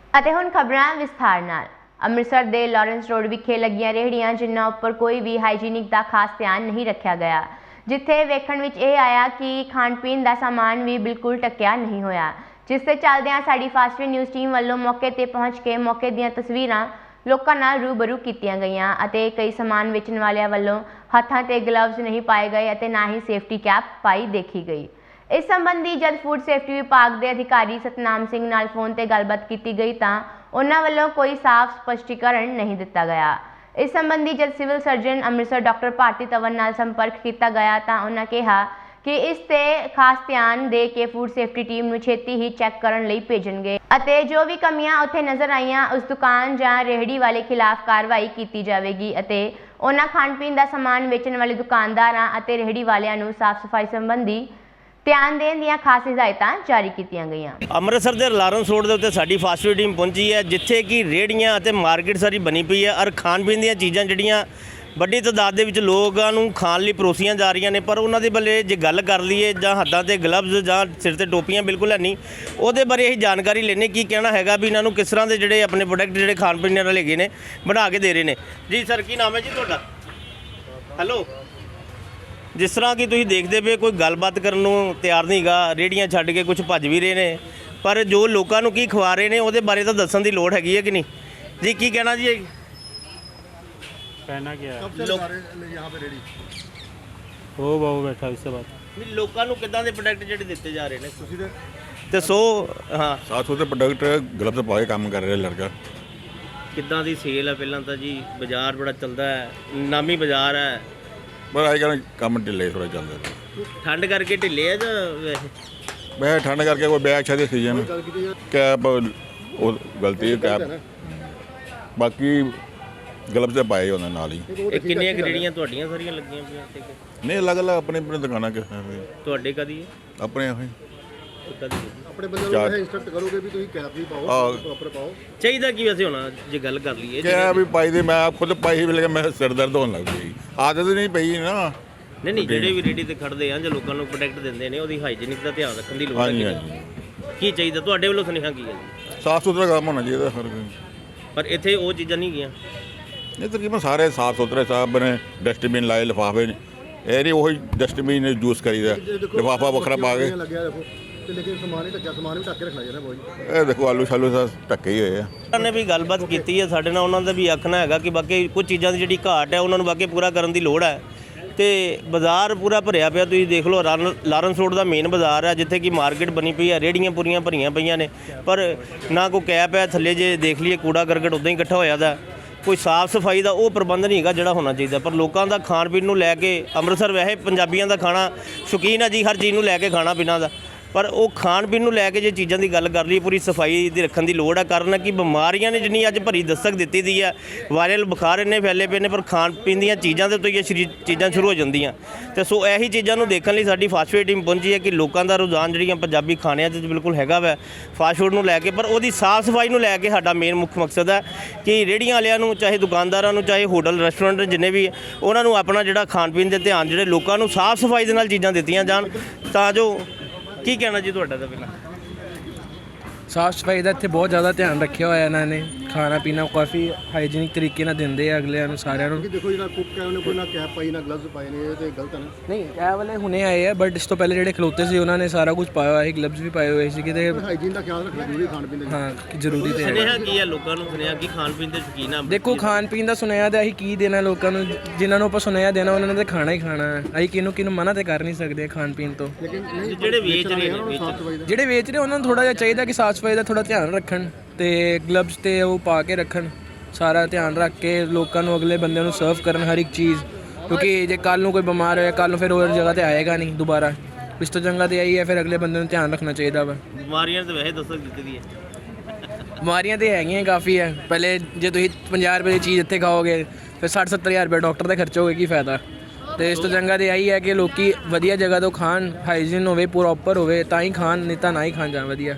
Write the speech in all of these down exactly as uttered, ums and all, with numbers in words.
ਅਤੇ ਹੁਣ ਖਬਰਾਂ ਵਿਸਥਾਰ ਨਾਲ। ਅੰਮ੍ਰਿਤਸਰ ਦੇ ਲਾਰੈਂਸ ਰੋਡ ਵਿਖੇ ਲੱਗੀਆਂ ਰੇਹੜੀਆਂ ਜਿਨ੍ਹਾਂ ਉੱਪਰ ਕੋਈ ਵੀ ਹਾਈਜੀਨਿਕ ਦਾ ਖਾਸ ਧਿਆਨ ਨਹੀਂ ਰੱਖਿਆ ਗਿਆ, ਜਿੱਥੇ ਵੇਖਣ ਵਿੱਚ ਇਹ ਆਇਆ ਕਿ ਖਾਣ ਪੀਣ ਦਾ ਸਾਮਾਨ ਵੀ ਬਿਲਕੁਲ ਢੱਕਿਆ ਨਹੀਂ ਹੋਇਆ, ਜਿਸ ਤੇ ਚੱਲਦਿਆਂ ਸਾਡੀ ਫਾਸਟ ਨਿਊਜ਼ ਟੀਮ ਵੱਲੋਂ ਮੌਕੇ ਤੇ ਪਹੁੰਚ ਕੇ ਮੌਕੇ ਦੀਆਂ ਤਸਵੀਰਾਂ ਲੋਕਾਂ ਨਾਲ ਰੂਬਰੂ ਕੀਤੀਆਂ ਗਈਆਂ ਅਤੇ ਕਈ ਸਾਮਾਨ ਵੇਚਣ ਵਾਲਿਆਂ ਵੱਲੋਂ ਹੱਥਾਂ ਤੇ ਗਲਵਜ਼ ਨਹੀਂ ਪਾਏ ਗਏ ਅਤੇ ਨਾ ਹੀ ਸੇਫਟੀ ਕੈਪ ਪਾਈ ਦੇਖੀ ਗਈ। इस संबंधी जब फूड सेफ्टी विभाग के अधिकारी सतनाम सिंह नाल फोन ते गलबात की गई तो उन्होंने वालों कोई साफ स्पष्टीकरण नहीं दिता गया। इस संबंधी जब civil surgeon Amritsar doctor Bharti तवन नाल संपर्क किया गया तो उन्होंने कहा कि इस ते खास ध्यान दे के फूड सेफ्टी टीम नूं छेती ही चैक करन लई भेजणगे अते जो भी कमियां उत्थे नज़र आईयां उस दुकान जां रेहड़ी वाले खिलाफ कार्रवाई की जाएगी अते उन्हां खाण पीण दा समान वेचण वाले दुकानदारां अते रेहड़ी वालियां नूं साफ सफाई संबंधी ਧਿਆਨ ਦੇਣ ਦੀਆਂ ਖਾਸ ਹਦਾਇਤਾਂ ਜਾਰੀ ਕੀਤੀਆਂ ਗਈਆਂ। ਅੰਮ੍ਰਿਤਸਰ ਦੇ ਲਾਰੈਂਸ ਰੋਡ ਦੇ ਉੱਤੇ ਸਾਡੀ ਫਾਸਟ ਫੂਡ ਟੀਮ ਪਹੁੰਚੀ ਹੈ, ਜਿੱਥੇ ਕਿ ਰੇਹੜੀਆਂ ਅਤੇ ਮਾਰਕੀਟ ਸਾਰੀ ਬਣੀ ਪਈ ਹੈ ਔਰ ਖਾਣ ਪੀਣ ਦੀਆਂ ਚੀਜ਼ਾਂ ਜਿਹੜੀਆਂ ਵੱਡੀ ਤਾਦਾਦ ਦੇ ਵਿੱਚ ਲੋਕਾਂ ਨੂੰ ਖਾਣ ਲਈ ਪਰੋਸੀਆਂ ਜਾ ਰਹੀਆਂ ਨੇ, ਪਰ ਉਹਨਾਂ ਦੇ ਬੱਲੇ ਜੇ ਗੱਲ ਕਰ ਲਈਏ ਜਾਂ ਹੱਥਾਂ ਤੇ ਗਲਵਜ਼ ਜਾਂ ਸਿਰ ਤੇ ਟੋਪੀਆਂ ਬਿਲਕੁਲ ਹੈ ਨਹੀਂ, ਉਹਦੇ ਬਾਰੇ ਅਸੀਂ ਜਾਣਕਾਰੀ ਲੈਣੇ ਕੀ ਕਹਿਣਾ ਹੈਗਾ ਵੀ ਇਹਨਾਂ ਨੂੰ ਕਿਸ ਤਰ੍ਹਾਂ ਦੇ ਜਿਹੜੇ ਆਪਣੇ ਪ੍ਰੋਡਕਟ ਜਿਹੜੇ ਖਾਣ ਪੀਣ ਵਾਲੇ ਹੈਗੇ ਨੇ ਬਣਾ ਕੇ ਦੇ ਰਹੇ ਨੇ। ਜੀ ਸਰ, ਕੀ ਨਾਮ ਹੈ ਜੀ ਤੁਹਾਡਾ? ਹੈਲੋ। जिस तरह की तुसीं देखते पे कोई गलबात करन नूं तैयार नहीं गा, रेहड़ियां छड्ड के कुछ भज भी रहे ने, पर जो लोगों नूं की खवा रहे ने उहदे बारे तो दस्सण दी लोड़ हैगी है कि नहीं जी? की कहना जी? कहना क्या है? कब से लगा रहे यहाँ पे रेहड़ी? वो बहु बैठा इससे बात नहीं, लोगों नूं किदां दे प्रोडक्ट जिहड़े दित्ते जा रहे ने ਤੁਸੀਂ ਤੇ ते सो हाँ सात सौ ਦੇ ਪ੍ਰੋਡਕਟ ਗਲਵਜ਼ ਪਾ ਕੇ ਕੰਮ ਕਰ ਰਿਹਾ ਲੜਕਾ। किदां दी सेल है? पहलां तां जी बाजार बड़ा चलदा है, नामी बाजार है, ਪਰ ਅੱਜ ਕੱਲ੍ਹ ਕੰਮ ਢਿੱਲੇ ਥੋੜ੍ਹਾ ਚੱਲਦਾ ਪਿਆ। ठंड करके ढिले है जां वैसे? ਮੈਂ ਠੰਡ ਕਰਕੇ ਕੋਈ ਬੈਗ ਛੱਡੇ ਸੀਜ਼ਨ ਕੈਪ ਉਹ ਗਲਤੀ ਹੈ ਕੈਪ, ਬਾਕੀ ਗਲਵਜ਼ ਤੇ ਪਾਏ ਉਹਨਾਂ ਨਾਲ ਹੀ। ਇਹ ਕਿੰਨੀਆਂ ਗਰੇੜੀਆਂ ਤੁਹਾਡੀਆਂ ਸਾਰੀਆਂ ਲੱਗੀਆਂ ਪਈਆਂ ਇੱਥੇ ਕਿ ਨਹੀਂ ਅਲੱਗ ਅਲੱਗ ਆਪਣੇ ਆਪਣੇ ਦੁਕਾਨਾਂ ਕਿ ਤੁਹਾਡੇ ਕਦੀ ਆਪਣੇ ਹੋਏ ਕਦੀ ਆਪਣੇ ਬੰਦੇ ਨੂੰ ਇਹ ਇਨਸਟਰਕਟ ਕਰੋਗੇ ਵੀ ਤੁਸੀਂ ਕੈਪ ਵੀ ਪਾਓ, ਆਹ। ਪ੍ਰੋਪਰ ਪਾਓ। ਚਾਹੀਦਾ ਕੀ ਵੈਸੇ ਹੋਣਾ ਜੇ ਗੱਲ ਕਰ ਲਈਏ? ਕੈਪ ਵੀ ਪਾਈ ਦੀ, ਮੈਂ ਆਪ ਖੁਦ ਪਾਈ ਵੀ, ਲੇਕਿਨ ਮੈਂ ਸਿਰ ਦਰਦ ਹੋਣ ਲੱਗ ਪਈ, ਆਦਤ ਨਹੀਂ ਪਈ ਨਾ। ਨਹੀਂ ਨਹੀਂ, ਜਿਹੜੇ ਵੀ ਰੇੜੀ ਤੇ ਖੜਦੇ ਆ ਜਾਂ ਲੋਕਾਂ ਨੂੰ ਪ੍ਰੋਟੈਕਟ ਦਿੰਦੇ ਨੇ ਉਹਦੀ ਹਾਈਜੀਨਿਕ ਦਾ ਧਿਆਨ ਰੱਖਣ ਦੀ ਲੋੜ ਹਾਂਜੀ ਹੈ। ਹਾਂਜੀ, ਕੀ ਚਾਹੀਦਾ ਤੁਹਾਡੇ ਵੱਲੋਂ ਸੁਨੇਹਾ ਕੀ ਹੈ ਜੀ? ਸਾਫ ਸੁਥਰਾ ਕੰਮ ਹੋਣਾ ਚਾਹੀਦਾ ਹਰ ਕੋਈ। ਪਰ ਇੱਥੇ ਉਹ ਚੀਜ਼ਾਂ ਨਹੀਂ ਗਈਆਂ। ਇਹ ਤਕਰੀਬਨ ਸਾਰੇ ਸਾਫ ਸੁਥਰੇ ਸਾਹਿਬ ਨੇ, ਡਸਟਬਿਨ ਲਾਏ, ਲਿਫਾਫੇ ਨੇ, ਇਹ ਨਹੀਂ ਉਹੀ ਡਸਟਬਿਨ ਯੂਜ਼ ਕਰੀਦਾ, ਲਿਫਾਫਾ ਵੱਖਰਾ ਪਾ ਕੇ। ਲੱਗਿਆ ਦੇਖੋ ਤੇ ਲੇਕਿਨ ਸਮਾਨ ਹੀ ਢੱਕਿਆ, ਸਮਾਨ ਵੀ ਢੱਕ ਕੇ ਰੱਖਣਾ ਚਾਹੀਦਾ ਬਹੁਤ। ਇਹ ਦੇਖੋ ਆਲੂ ਸ਼ਾਲੂ ਸਭ ਢੱਕੇ ਹੀ ਹੋਏ ਆ। ਉਹਨਾਂ ਨੇ ਵੀ ਗੱਲਬਾਤ ਕੀਤੀ ਹੈ ਸਾਡੇ ਨਾਲ, ਉਹਨਾਂ ਦਾ ਵੀ ਆਖਣਾ ਹੈਗਾ ਕਿ ਬਾਕੀ ਕੁਝ ਚੀਜ਼ਾਂ ਦੀ ਜਿਹੜੀ ਘਾਟ ਹੈ ਉਹਨਾਂ ਨੂੰ ਬਾਕੀ ਪੂਰਾ ਕਰਨ ਦੀ ਲੋੜ ਹੈ। ਤੇ ਬਾਜ਼ਾਰ ਪੂਰਾ ਭਰਿਆ ਪਿਆ, ਤੁਸੀਂ ਦੇਖ ਲਓ ਲਾਰੈਂਸ ਰੋਡ ਦਾ ਮੇਨ ਬਾਜ਼ਾਰ ਹੈ ਜਿੱਥੇ ਕਿ ਮਾਰਕੀਟ ਬਣੀ ਪਈ ਹੈ, ਰੇਹੜੀਆਂ ਪੂਰੀਆਂ ਭਰੀਆਂ ਪਈਆਂ ਨੇ, ਪਰ ਨਾ ਕੋਈ ਕੈਪ ਹੈ ਥੱਲੇ, ਜੇ ਦੇਖ ਲਈਏ ਕੂੜਾ ਕਰਕਟ ਉੱਦਾਂ ਹੀ ਇਕੱਠਾ ਹੋਇਆ ਦਾ, ਕੋਈ ਸਾਫ ਸਫਾਈ ਦਾ ਉਹ ਪ੍ਰਬੰਧ ਨਹੀਂ ਹੈਗਾ ਜਿਹੜਾ ਹੋਣਾ ਚਾਹੀਦਾ। ਪਰ ਲੋਕਾਂ ਦਾ ਖਾਣ ਪੀਣ ਨੂੰ ਲੈ ਕੇ, ਅੰਮ੍ਰਿਤਸਰ ਵੈਸੇ ਪੰਜਾਬੀਆਂ ਦਾ ਖਾਣਾ ਸ਼ੌਕੀਨ ਹੈ ਜੀ, ਹਰ ਚੀਜ਼ ਨੂੰ ਲੈ ਕੇ ਖਾਣਾ ਪੀਣਾ ਦਾ, ਪਰ ਉਹ ਖਾਣ ਪੀਣ ਨੂੰ ਲੈ ਕੇ ਜੇ ਚੀਜ਼ਾਂ ਦੀ ਗੱਲ ਕਰ ਲਈ, ਪੂਰੀ ਸਫਾਈ ਦੀ ਰੱਖਣ ਦੀ ਲੋੜ ਹੈ। ਕਾਰਨ ਕਿ ਬਿਮਾਰੀਆਂ ਨੇ ਜਿੰਨੀ ਅੱਜ ਭਰੀ ਦਸਤਕ ਦਿੱਤੀ ਦੀ ਹੈ, ਵਾਇਰਲ ਬੁਖਾਰ ਇੰਨੇ ਫੈਲੇ ਪਏ ਨੇ, ਪਰ ਖਾਣ ਪੀਣ ਦੀਆਂ ਚੀਜ਼ਾਂ ਦੇ ਤੋਂ ਹੀ ਇਹ ਸ਼ਰੀ ਚੀਜ਼ਾਂ ਸ਼ੁਰੂ ਹੋ ਜਾਂਦੀਆਂ। ਤੇ ਸੋ ਇਹੀ ਚੀਜ਼ਾਂ ਨੂੰ ਦੇਖਣ ਲਈ ਸਾਡੀ ਫਾਸਟ ਫੂਡ ਟੀਮ ਪਹੁੰਚੀ ਹੈ ਕਿ ਲੋਕਾਂ ਦਾ ਰੁਝਾਨ ਜਿਹੜੀਆਂ ਪੰਜਾਬੀ ਖਾਣਿਆਂ 'ਚ ਬਿਲਕੁਲ ਹੈਗਾ ਵੈ ਫਾਸਟ ਫੂਡ ਨੂੰ ਲੈ ਕੇ, ਪਰ ਉਹਦੀ ਸਾਫ਼ ਸਫਾਈ ਨੂੰ ਲੈ ਕੇ ਸਾਡਾ ਮੇਨ ਮੁੱਖ ਮਕਸਦ ਹੈ ਕਿ ਰੇਹੜੀਆਂ ਵਾਲਿਆਂ ਨੂੰ, ਚਾਹੇ ਦੁਕਾਨਦਾਰਾਂ ਨੂੰ, ਚਾਹੇ ਹੋਟਲ ਰੈਸਟੋਰੈਂਟ ਜਿੰਨੇ ਵੀ, ਉਹਨਾਂ ਨੂੰ ਆਪਣਾ ਜਿਹੜਾ ਖਾਣ ਪੀਣ ਦੇ ਧਿਆਨ, ਜਿਹੜੇ ਲੋਕਾਂ ਨੂੰ ਸਾਫ਼ ਸਫਾਈ ਦੇ ਨਾਲ ਚੀਜ਼ਾਂ ਦਿੱਤੀਆਂ ਜਾਣ ਤਾਂ ਜੋ। ਕੀ ਕਹਿਣਾ ਜੀ ਤੁਹਾਡਾ? ਤਾਂ ਪਹਿਲਾਂ ਸਾਫ ਸਫਾਈ ਦਾ ਇੱਥੇ ਬਹੁਤ ਜ਼ਿਆਦਾ ਧਿਆਨ ਰੱਖਿਆ ਹੋਇਆ ਇਹਨਾਂ ਨੇ, ਖਾਣਾ ਪੀਣਾ ਕਾਫੀ ਹਾਈਜੀਨਿਕ ਤਰੀਕੇ ਨਾਲ ਦਿੰਦੇ ਆ ਅਗਲਿਆਂ ਨੂੰ, ਸਾਰਿਆਂ ਨੂੰ। ਦੇਖੋ ਜਿਹੜਾ ਕੁੱਕ ਹੈ ਉਹਨੇ ਕੋਈ ਨਾ ਕੈਪ ਪਾਈ ਨਾ ਗਲਵਜ਼ ਪਾਏ ਨੇ, ਇਹ ਤੇ ਗਲਤ ਹੈ ਨਾ। ਨਹੀਂ, ਇਹ ਵਾਲੇ ਹੁਣੇ ਆਏ ਆ, ਬਟ ਇਸ ਤੋਂ ਪਹਿਲੇ ਜਿਹੜੇ ਖਲੋਤੇ ਸੀ ਉਹਨਾਂ ਨੇ ਸਾਰਾ ਕੁਝ ਪਾਇਆ ਹੋਇਆ ਸੀ, ਗਲਵਜ਼ ਵੀ ਪਾਏ ਹੋਏ ਸੀ ਕਿਤੇ। ਹਾਈਜੀਨ ਦਾ ਖਿਆਲ ਰੱਖਣਾ ਜ਼ਰੂਰੀ ਖਾਣ ਪੀਣ ਦੇ। ਹਾਂ, ਜ਼ਰੂਰੀ ਤੇ ਹੈ। ਸੁਨੇਹਾ ਕੀ ਹੈ ਲੋਕਾਂ ਨੂੰ? ਸੁਨੇਹਾ ਕਿ ਖਾਣ ਪੀਣ ਦੇ ਸ਼ੌਕੀਨ ਆ। ਦੇਖੋ, ਖਾਣ ਪੀਣ ਦਾ ਸੁਨੇਹਾ ਤਾਂ ਅਸੀਂ ਕੀ ਦੇਣਾ ਲੋਕਾਂ ਨੂੰ, ਜਿਨ੍ਹਾਂ ਨੂੰ ਆਪਾਂ ਸੁਨੇਹਾ ਦੇਣਾ ਉਹਨਾਂ ਨੇ ਤਾਂ ਖਾਣਾ ਹੀ ਖਾਣਾ ਹੈ। ਅਸੀਂ ਕਿਹਨੂੰ ਕਿਹਨੂੰ ਮਨਾ ਤੇ ਕਰ ਨਹੀਂ ਸਕਦੇ ਖਾਣ ਪੀਣ ਤੋਂ। ਲੇਕਿਨ ਨਹੀਂ, ਜਿਹੜੇ ਵੇਚ ਰਹੇ ਨੇ, ਸਾਫ ਸਫਾਈ ਦਾ ਜਿਹੜੇ ਵੇਚ ਰਹੇ ਉਹਨਾਂ ਨੂੰ ਥੋੜਾ ਜਿਹਾ ਚਾਹੀਦਾ ਕਿ ਸਾਫ ਸਫਾਈ ਦਾ ਥੋੜਾ ਧਿਆਨ ਰੱਖਣ ਤੇ ਗਲਵਜ਼ ਤੇ ਉਹ ਪਾ ਕੇ ਰੱਖਣ, ਸਾਰਾ ਧਿਆਨ ਰੱਖ ਕੇ ਲੋਕਾਂ ਨੂੰ, ਅਗਲੇ ਬੰਦੇ ਨੂੰ ਸਰਵ ਕਰਨ ਹਰ ਇੱਕ ਚੀਜ਼, ਕਿਉਂਕਿ ਜੇ ਕੱਲ੍ਹ ਨੂੰ ਕੋਈ ਬਿਮਾਰ ਹੋਇਆ ਕੱਲ੍ਹ ਨੂੰ ਫਿਰ ਉਹ ਜਗ੍ਹਾ ਤੇ ਆਏਗਾ ਨਹੀਂ ਦੁਬਾਰਾ। ਇਸ ਤੋਂ ਚੰਗਾ ਤੇ ਆਈ ਹੈ ਫਿਰ ਅਗਲੇ ਬੰਦੇ ਨੂੰ ਧਿਆਨ ਰੱਖਣਾ ਚਾਹੀਦਾ ਵਾ। ਬਿਮਾਰੀਆਂ ਤਾਂ ਵੈਸੇ ਦਸਤਕ ਦਿੱਤੀ ਦੀ ਹੈ। ਬਿਮਾਰੀਆਂ ਤਾਂ ਹੈਗੀਆਂ ਕਾਫੀ ਹੈ। ਪਹਿਲੇ ਜੇ ਤੁਸੀਂ ਪੰਜਾਹ ਰੁਪਏ ਦੀ ਚੀਜ਼ ਇੱਥੇ ਖਾਓਗੇ ਫਿਰ ਸੱਠ ਸੱਤਰ ਹਜ਼ਾਰ ਰੁਪਏ ਡਾਕਟਰ ਦਾ ਖਰਚੋਗੇ, ਕੀ ਫਾਇਦਾ? ਤੇ ਇਸ ਤੋਂ ਚੰਗਾ ਤੇ ਆਈ ਹੈ ਕਿ ਲੋਕੀ ਵਧੀਆ ਜਗ੍ਹਾ ਤੋਂ ਖਾਣ, ਹਾਈਜੀਨ ਹੋਵੇ, ਪ੍ਰੋਪਰ ਹੋਵੇ ਤਾਂ ਹੀ ਖਾਣ, ਨਹੀਂ ਤਾਂ ਨਾ ਹੀ ਖਾਣ ਜਾਣ ਵਧੀਆ।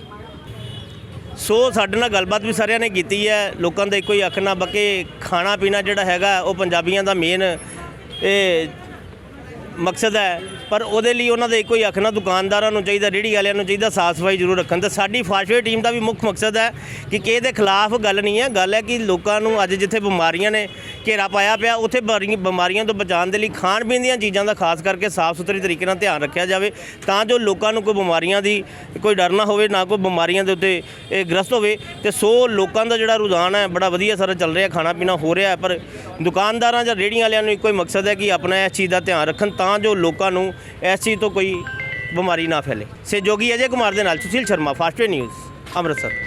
ਸੋ ਸਾਡੇ ਨਾਲ ਗੱਲਬਾਤ ਵੀ ਸਾਰਿਆਂ ਨੇ ਕੀਤੀ ਹੈ, ਲੋਕਾਂ ਦਾ ਇੱਕੋ ਹੀ ਆਖਣਾ ਬਾਕੀ ਖਾਣਾ ਪੀਣਾ ਜਿਹੜਾ ਹੈਗਾ ਉਹ ਪੰਜਾਬੀਆਂ ਦਾ ਮੇਨ ਇਹ ਮਕਸਦ ਹੈ, ਪਰ ਉਹਦੇ ਲਈ ਉਹਨਾਂ ਦਾ ਇੱਕੋ ਹੀ ਆਖਣਾ ਦੁਕਾਨਦਾਰਾਂ ਨੂੰ ਚਾਹੀਦਾ, ਰੇਹੜੀ ਵਾਲਿਆਂ ਨੂੰ ਚਾਹੀਦਾ ਸਾਫ਼ ਸਫਾਈ ਜ਼ਰੂਰ ਰੱਖਣ। ਤੇ ਸਾਡੀ ਫਾਸਟਵੇਅਰ ਟੀਮ ਦਾ ਵੀ ਮੁੱਖ ਮਕਸਦ ਹੈ ਕਿ ਕਿਸੇ ਦੇ ਖਿਲਾਫ ਗੱਲ ਨਹੀਂ ਹੈ, ਗੱਲ ਹੈ ਕਿ ਲੋਕਾਂ ਨੂੰ ਅੱਜ ਜਿੱਥੇ ਬਿਮਾਰੀਆਂ ਨੇ ਘੇਰਾ ਪਾਇਆ ਪਿਆ ਉੱਥੇ ਬਾਰੀ- ਬਿਮਾਰੀਆਂ ਤੋਂ ਬਚਾਉਣ ਦੇ ਲਈ ਖਾਣ ਪੀਣ ਦੀਆਂ ਚੀਜ਼ਾਂ ਦਾ ਖਾਸ ਕਰਕੇ ਸਾਫ਼ ਸੁਥਰੀ ਤਰੀਕੇ ਨਾਲ ਧਿਆਨ ਰੱਖਿਆ ਜਾਵੇ, ਤਾਂ ਜੋ ਲੋਕਾਂ ਨੂੰ ਕੋਈ ਬਿਮਾਰੀਆਂ ਦੀ ਕੋਈ ਡਰ ਨਾ ਹੋਵੇ, ਨਾ ਕੋਈ ਬਿਮਾਰੀਆਂ ਦੇ ਉੱਤੇ ਇਹ ਗ੍ਰਸਤ ਹੋਵੇ। ਤੇ ਸੋ ਲੋਕਾਂ ਦਾ ਜਿਹੜਾ ਰੁਝਾਨ ਹੈ ਬੜਾ ਵਧੀਆ ਸਾਰਾ ਚੱਲ ਰਿਹਾ, ਖਾਣਾ ਪੀਣਾ ਹੋ ਰਿਹਾ, ਪਰ ਦੁਕਾਨਦਾਰਾਂ ਜਾਂ ਰੇਹੜੀਆਂ ਵਾਲਿਆਂ ਨੂੰ ਇੱਕੋ ਹੀ ਮਕਸਦ ਹੈ ਕਿ ਆਪਣਾ ਇਸ ਚੀਜ਼ ਦਾ ਧਿਆਨ ਰੱਖਣ, ਤਾਂ ਜੋ ਲੋਕਾਂ ਨੂੰ ਇਸ ਚੀਜ਼ ਤੋਂ ਕੋਈ ਬਿਮਾਰੀ ਨਾ ਫੈਲੇ। ਸਹਿਯੋਗੀ ਅਜੇ ਕੁਮਾਰ ਦੇ ਨਾਲ ਸੁਸ਼ੀਲ ਸ਼ਰਮਾ, ਫਾਸਟਵੇਅਰ ਨਿਊਜ਼, ਅੰਮ੍ਰਿਤਸਰ।